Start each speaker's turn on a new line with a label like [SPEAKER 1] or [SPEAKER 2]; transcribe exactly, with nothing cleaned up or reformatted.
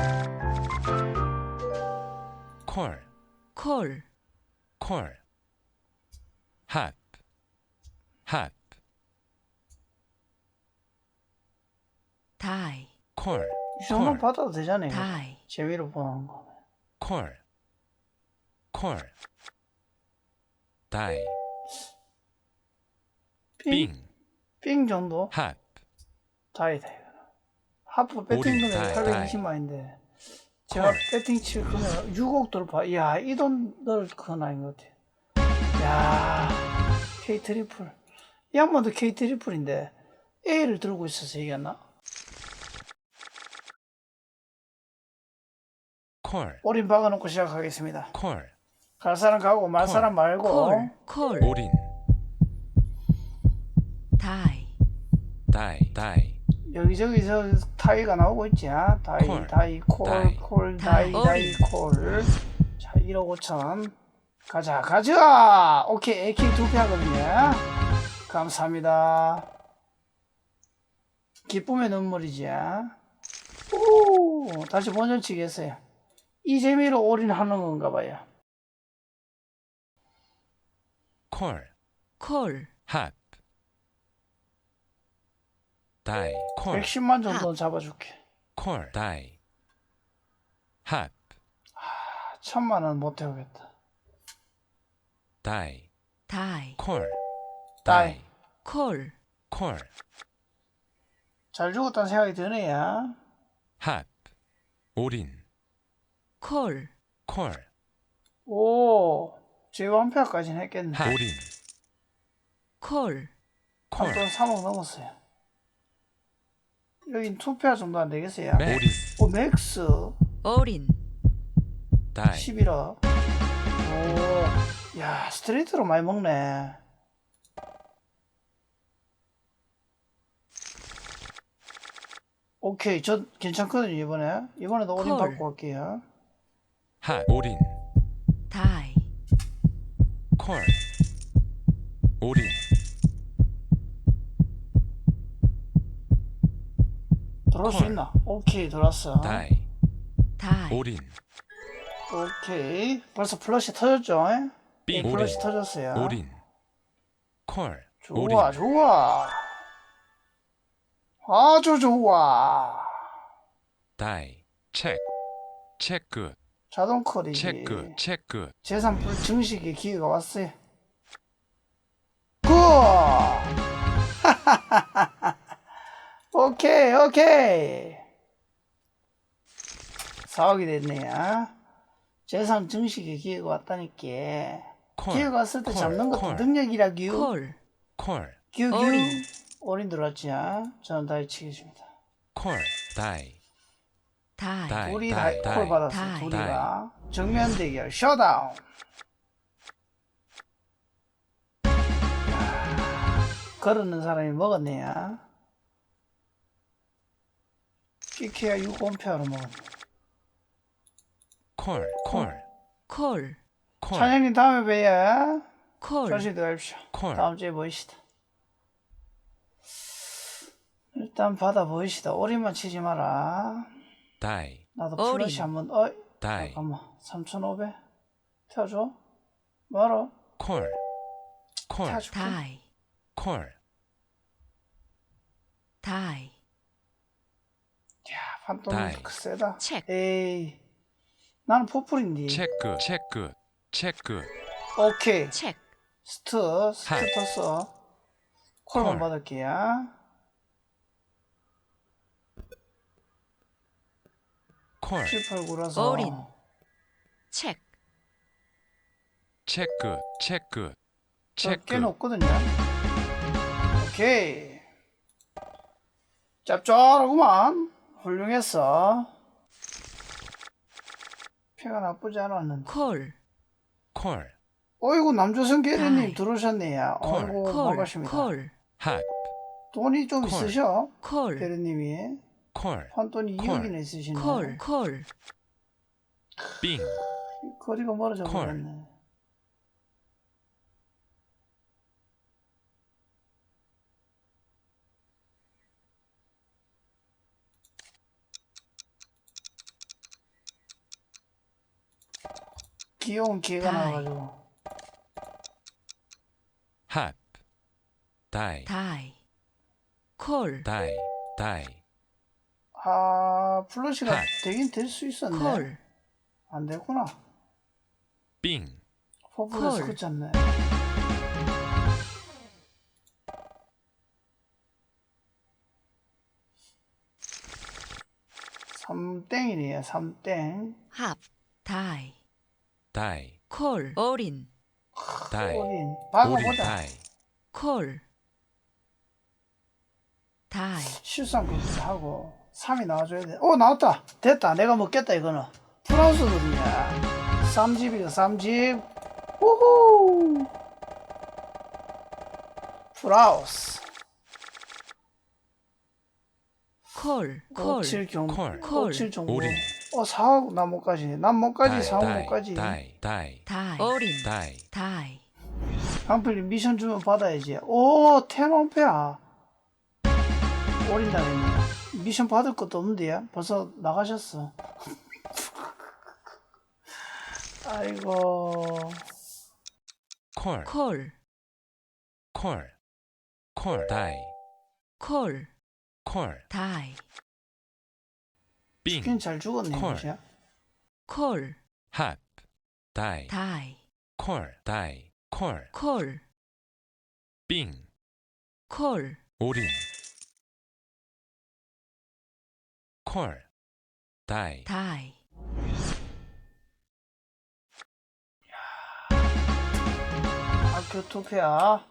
[SPEAKER 1] 콜,
[SPEAKER 2] 콜,
[SPEAKER 1] 콜. 핫, 핫.
[SPEAKER 2] 다이,
[SPEAKER 1] 콜,
[SPEAKER 3] 이 정도
[SPEAKER 1] 콜,
[SPEAKER 3] 받아도 되잖아요.
[SPEAKER 2] 다이,
[SPEAKER 3] 재미로 보는 거.
[SPEAKER 1] 콜, 콜. 다이,
[SPEAKER 3] 삥?
[SPEAKER 1] 빙,
[SPEAKER 3] 삥 정도?
[SPEAKER 1] 핫.
[SPEAKER 3] 다이다 이거. 하프 배팅
[SPEAKER 1] 오리,
[SPEAKER 3] 금액이
[SPEAKER 1] 다이,
[SPEAKER 3] 팔백이십만인데 제가
[SPEAKER 1] 콜.
[SPEAKER 3] 배팅 칠 금액 육억 돌파. 이야, 이 돈 넣을 건 아닌 것 같아. 야, K 트리플. 이 양반도 K 트리플인데 A를 들고 있어서 이겼나?
[SPEAKER 1] 콜,
[SPEAKER 3] 올인 박아놓고 시작하겠습니다.
[SPEAKER 1] 콜.
[SPEAKER 3] 갈 사람 가고 말 사람 말고.
[SPEAKER 2] 콜, 콜,
[SPEAKER 1] 올인,
[SPEAKER 2] 다이,
[SPEAKER 1] 다이, 다이.
[SPEAKER 3] 여기저기서 타이가 나오고 있지. 아? 다이,
[SPEAKER 1] 콜,
[SPEAKER 3] 다이, 콜,
[SPEAKER 1] 다이,
[SPEAKER 3] 콜, 다이,
[SPEAKER 2] 다이.
[SPEAKER 3] 다이, 콜. 자, 일억 오천. 가자, 가자! 오케이, 에이케이 두 표 하거든요. 감사합니다. 기쁨의 눈물이지. 오, 다시 본전치기 했어요. 이 재미로 올인하는 건가 봐요.
[SPEAKER 1] 콜,
[SPEAKER 2] 콜,
[SPEAKER 1] 핫. 다이, 콜,
[SPEAKER 3] 백십만 정도는 잡아줄게.
[SPEAKER 1] 콜, 다이. 핫,
[SPEAKER 3] 천만 원 못 태우겠다.
[SPEAKER 1] 다이,
[SPEAKER 2] 다이,
[SPEAKER 1] 콜,
[SPEAKER 3] 다이.
[SPEAKER 1] 다이,
[SPEAKER 2] 콜,
[SPEAKER 1] 콜.
[SPEAKER 3] 잘 죽었다는 생각이 드네요.
[SPEAKER 1] 핫. 올인,
[SPEAKER 2] 콜,
[SPEAKER 1] 콜.
[SPEAKER 3] 오, 제이완패까지는 했겠네.
[SPEAKER 1] 핫. 올인,
[SPEAKER 2] 콜,
[SPEAKER 1] 콜.
[SPEAKER 3] 한돈 삼억 넘었어요. 여긴 투표 정도 안 되겠어요.
[SPEAKER 1] 올인,
[SPEAKER 3] 오, 맥스
[SPEAKER 2] 어린,
[SPEAKER 1] 다이.
[SPEAKER 3] 십일억. 오, 야, 스트레이트로 많이 먹네. 오케이, 저 괜찮거든요, 이번에. 이번에도 올인
[SPEAKER 2] 콜.
[SPEAKER 3] 받고 갈게요.
[SPEAKER 1] 핫. 올인,
[SPEAKER 2] 다이,
[SPEAKER 1] 콜. 올인,
[SPEAKER 3] 들어올 수
[SPEAKER 1] 콜.
[SPEAKER 3] 있나? 오케이, 들어왔어.
[SPEAKER 1] 다이.
[SPEAKER 2] 다이,
[SPEAKER 1] 올인,
[SPEAKER 3] 오케이. 벌써 플러시 터졌죠?
[SPEAKER 1] 빙.
[SPEAKER 3] 예, 플러시 터졌어요.
[SPEAKER 1] 올인, 콜.
[SPEAKER 3] 좋아,
[SPEAKER 1] 올인,
[SPEAKER 3] 좋아. 아주 좋아.
[SPEAKER 1] 다이. 체크, 체크,
[SPEAKER 3] 자동 컬이지.
[SPEAKER 1] 체크, 체크.
[SPEAKER 3] 재산 불 증식의 기회가 왔어요. 굿! 오케이, 오케이. 사억이 됐네요. 재산 증식의 기회가 왔다니까.
[SPEAKER 1] 콜.
[SPEAKER 3] 기회가 왔을 때
[SPEAKER 1] 콜,
[SPEAKER 3] 잡는 것도
[SPEAKER 1] 콜.
[SPEAKER 3] 능력이라규.
[SPEAKER 2] 콜,
[SPEAKER 1] 콜.
[SPEAKER 3] 규규.
[SPEAKER 2] 어린.
[SPEAKER 3] 올인 들어왔지. 저는 다이 치겠습니다.
[SPEAKER 1] 콜. 다이.
[SPEAKER 2] 다이,
[SPEAKER 1] 다이.
[SPEAKER 3] 우리
[SPEAKER 1] 다이,
[SPEAKER 3] 다이 콜
[SPEAKER 1] 다이.
[SPEAKER 3] 받았어.
[SPEAKER 2] 다이.
[SPEAKER 3] 둘이가. 정면 대결 셧다운. 걸었는 사람이 먹었네요. 끼케야 육 원표로 먹었네.
[SPEAKER 1] 콜. 콜.
[SPEAKER 2] 콜,
[SPEAKER 1] 콜.
[SPEAKER 3] 차장님 다음에 봬요.
[SPEAKER 2] 콜,
[SPEAKER 3] 조심히 들어가십시오.
[SPEAKER 1] 콜.
[SPEAKER 3] 다음 주에 보이시다. 일단 받아 보이시다. 올인만 치지 마라.
[SPEAKER 1] 다이.
[SPEAKER 3] 나도
[SPEAKER 2] 어린.
[SPEAKER 3] 플러시 한번. 어이,
[SPEAKER 1] 다이.
[SPEAKER 3] 잠깐만. 삼천오백 태워줘. 뭐로?
[SPEAKER 1] 콜. 콜.
[SPEAKER 3] 태워줄게.
[SPEAKER 2] 다이,
[SPEAKER 1] 콜.
[SPEAKER 2] 다이,
[SPEAKER 3] 야, 판돈
[SPEAKER 1] 다이.
[SPEAKER 3] 세다.
[SPEAKER 2] 체크,
[SPEAKER 3] 에이, 나는 포플인데.
[SPEAKER 1] 체크, 체크, 체크.
[SPEAKER 3] 오케이.
[SPEAKER 2] 체크,
[SPEAKER 3] 스트, 스트
[SPEAKER 1] 핫.
[SPEAKER 3] 떴어. 콜만
[SPEAKER 1] 콜.
[SPEAKER 3] 받을게요.
[SPEAKER 1] 콜.
[SPEAKER 3] 칠팔 구라서.
[SPEAKER 2] 어린. 체크,
[SPEAKER 1] 체크, 체크,
[SPEAKER 3] 저 꽤
[SPEAKER 1] 체크.
[SPEAKER 3] 높거든요. 오케이. 짭짤하구만. 훌륭했어. 피가 나쁘지 않았는데.
[SPEAKER 2] 콜,
[SPEAKER 1] 콜.
[SPEAKER 3] 어이구, 남조선 계리님
[SPEAKER 2] 다이.
[SPEAKER 3] 들어오셨네요.
[SPEAKER 1] 콜.
[SPEAKER 3] 어이구,
[SPEAKER 2] 콜,
[SPEAKER 3] 반갑습니다.
[SPEAKER 2] 콜,
[SPEAKER 1] 핫.
[SPEAKER 3] 돈이 좀
[SPEAKER 1] 콜.
[SPEAKER 3] 있으셔.
[SPEAKER 2] 콜,
[SPEAKER 3] 계리님이.
[SPEAKER 1] 콜.
[SPEAKER 3] 판돈이
[SPEAKER 1] 콜.
[SPEAKER 3] 이억이나 있으시네.
[SPEAKER 2] 콜, 콜,
[SPEAKER 1] 빙.
[SPEAKER 3] 거리가 멀어져
[SPEAKER 1] 콜.
[SPEAKER 3] 버렸네. 귀여운 개가
[SPEAKER 2] 다이.
[SPEAKER 3] 나와가지고.
[SPEAKER 1] hop, die,
[SPEAKER 2] die, call,
[SPEAKER 1] die, die,
[SPEAKER 3] 아, 플러시가
[SPEAKER 1] 핫.
[SPEAKER 3] 되긴 될 수 있었네.
[SPEAKER 2] call,
[SPEAKER 3] 안 되구나.
[SPEAKER 1] bing,
[SPEAKER 3] 퍼플에서
[SPEAKER 2] 콜.
[SPEAKER 3] 그쳤네. 삼땡이네요, 삼땡.
[SPEAKER 2] hop, die,
[SPEAKER 1] die,
[SPEAKER 2] call, 어린,
[SPEAKER 1] die,
[SPEAKER 3] 올인.
[SPEAKER 1] 오린,
[SPEAKER 3] 박아보자.
[SPEAKER 1] die,
[SPEAKER 2] call, die,
[SPEAKER 3] 실수한 것도 하고. 삼이 나와줘야 돼. 오, 나왔다. 됐다. 내가 먹겠다, 이거는. 프랑스거든요. 삼집이가 삼집. 우후. 프라우스.
[SPEAKER 2] call, call,
[SPEAKER 3] 오칠 경,
[SPEAKER 1] 콜.
[SPEAKER 2] 콜.
[SPEAKER 3] 오칠 정보.
[SPEAKER 1] 오린.
[SPEAKER 3] 어, 사하고 나 못까지. 난 못까지,
[SPEAKER 1] die,
[SPEAKER 3] 사하고
[SPEAKER 1] die,
[SPEAKER 3] 못까지.
[SPEAKER 1] die, die,
[SPEAKER 2] die, 어린,
[SPEAKER 1] die,
[SPEAKER 2] die,
[SPEAKER 3] 강필님 미션 주면 받아야지. 오, 텐원페야. 올인다 했네. 미션 받을 것도 없는데요? 벌써 나가셨어. 아이고.
[SPEAKER 1] call,
[SPEAKER 2] call,
[SPEAKER 1] call, call, die,
[SPEAKER 2] call,
[SPEAKER 1] call,
[SPEAKER 2] die,
[SPEAKER 1] bing,
[SPEAKER 3] 치킨 잘 죽었네,
[SPEAKER 1] 콜.
[SPEAKER 3] 이거지.
[SPEAKER 2] call,
[SPEAKER 1] hop, die,
[SPEAKER 2] die,
[SPEAKER 1] call, die, call,
[SPEAKER 2] call,
[SPEAKER 1] bing,
[SPEAKER 2] call,
[SPEAKER 1] 오린, call, die,
[SPEAKER 2] die,
[SPEAKER 3] 학교 투표야.